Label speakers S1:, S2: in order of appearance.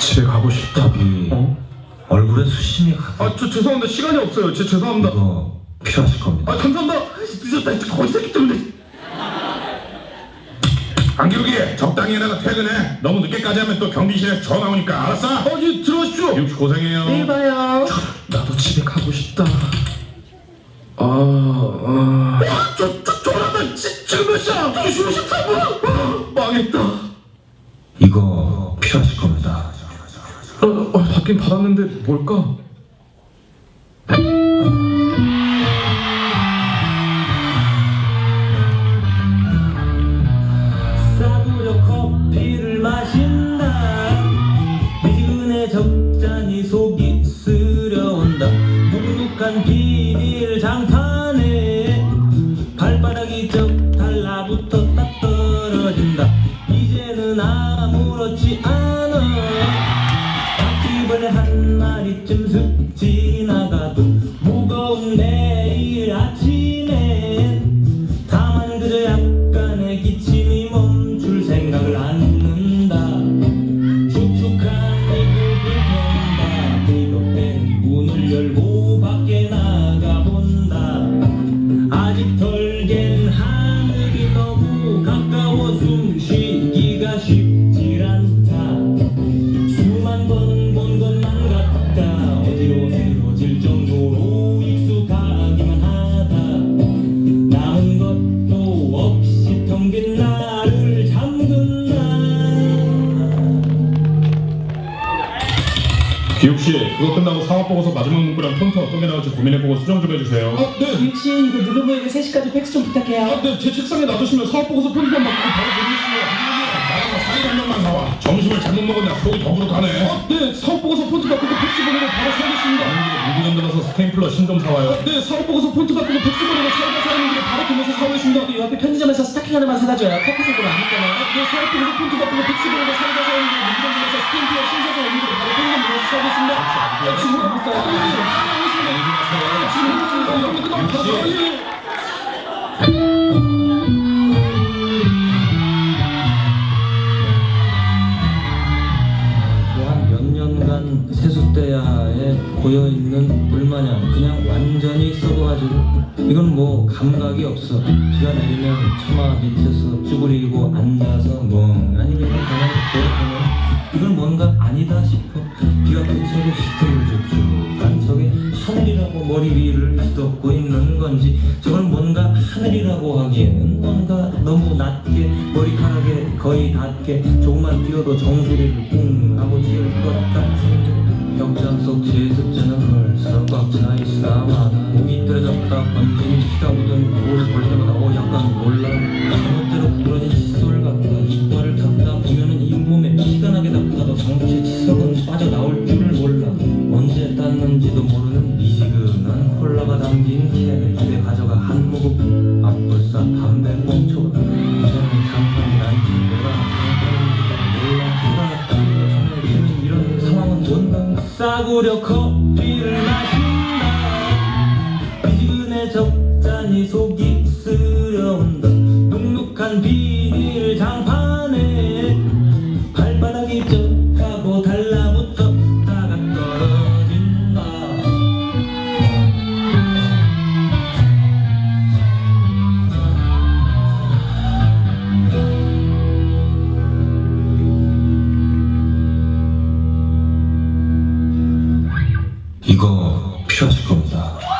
S1: 집에 가고 싶다.
S2: 얼굴에 수심이 가.
S1: 죄송합니다. 시간이 없어요. 죄송합니다.
S2: 이거 필요하실 겁니다.
S1: 감사합니다. 늦었다. 거지 새끼 때문에.
S3: 안기욱이 적당히 해다가 퇴근해. 너무 늦게까지 하면 또 경비실에서 전화 오니까. 알았어?
S1: 들어오십시오.
S3: 육수 고생해요.
S1: 내일 봐요. 나도 집에 가고 싶다. 졸았다. 지금 몇 시야? 2시 53분. 망했다.
S2: 이거 필요하실 겁니다.
S1: 받긴 받았는데 뭘까?
S4: 싸구려 커피를 마신다. 미지근해 적잖이 속이 쓰려온다. 눅눅한 비닐 장판에 발바닥이 쩍 달라붙어 딱 떨어진다. 이제는 아무렇지 않아. 바퀴벌레 한 마리쯤 슥 지나가도 무거운 내일 아침엔 다만 그저 약간의 기침이 멈출 생각을 않는다. 축축한 이불을 편다. 비겁된 문을 열고 밖에 나가본다. 아직 덜 갠 하늘이 너무 가까워 숨쉬기가 쉽질 않다. 수만 번 본 것만 같다. 어디로 새로질 정도로 익숙하기만 하다. 남은 것도 없이 텅 빈 나를 잠근 나.
S3: 기욱씨, 그거 끝나고 사업보고서 마지막 문구랑 폰트 어떤 게 나올지 고민해보고 수정 좀 해주세요.
S5: 유치 이거 누르부에게 3시까지 팩스 좀 부탁해요.
S1: 제 책상에 놔두시면 사업보고서 편집만 받고 바로 보내주시면.
S3: 나가서 사이 한 명만 사와. 점심을 잘못 먹었냐 속이 더부룩하네.
S1: 사업보고서 폰트 바꾸고 팩스 보내고 바로 사겠습니다.
S3: 무기전 들어서 스테인플러 신 좀 사와요.
S1: 사업보고서 폰트 바꾸고 팩스 보내고 사이다 사는 길에 바로 구매해서 사오겠습니다.
S5: 이 옆에 편의점에서 스타킹 하나만 사다 줘요. 커피색으로 안 입잖아요.
S1: 사업보고서 폰트 바꾸고 팩스 보내고 사이다 사는 길에 무기전 들어서 스탬프와 신사서 오는 길에 바로 편의점 구매해서 사오겠습니다. 지금 가고 있어요.
S4: 한 몇 년간 세숫대야에 고여있는 물마냥 그냥 완전히 썩어가지고 이건 뭐 감각이 없어. 비가 내리면 처마 밑에서 쭈그리고 앉아서 멍하니 그냥 가만히 보면 이건 뭔가 아니다 싶어. 비가 근처에 시끌쭉쭉한 저게 하늘이라고 머리 위를 휘덮고 있는 건지 저건 뭔가 하늘이라고 하기에는 뭔가 너무 낮게 머리카락에 거의 닿게 조금만 뛰어도 정수리를 뿡 하고 지을 것 같은 벽장 속 제습제는 벌써 꽉 차 있어. 목이 떨어졌다 번진 피가 묻은 볼을 볼 때마다 약간 놀라. 잘못대로 부러진 칫솔 같다. 이빨을 닦다 보면은 잇몸에 피가 나게 닦아도 정체 치석은 빠져나올 줄을 몰라. 언제 땄는지도 모르는 미지근한 콜라가 담긴 캔을 집에 가져가 한 모금 앞불사 담배 꽁초. 이제는 장판이란지 내가 장판인지도 몰라. 정말 이런 상황은 뭔가. 싸구려 커피를 마신다. 미지근해 적잖이 속이 쓰려온다. 눅눅한 비닐 장판에 발바닥이 쩍하고 달라붙었다가 떨어진다.
S2: 이거 필요하실 겁니다.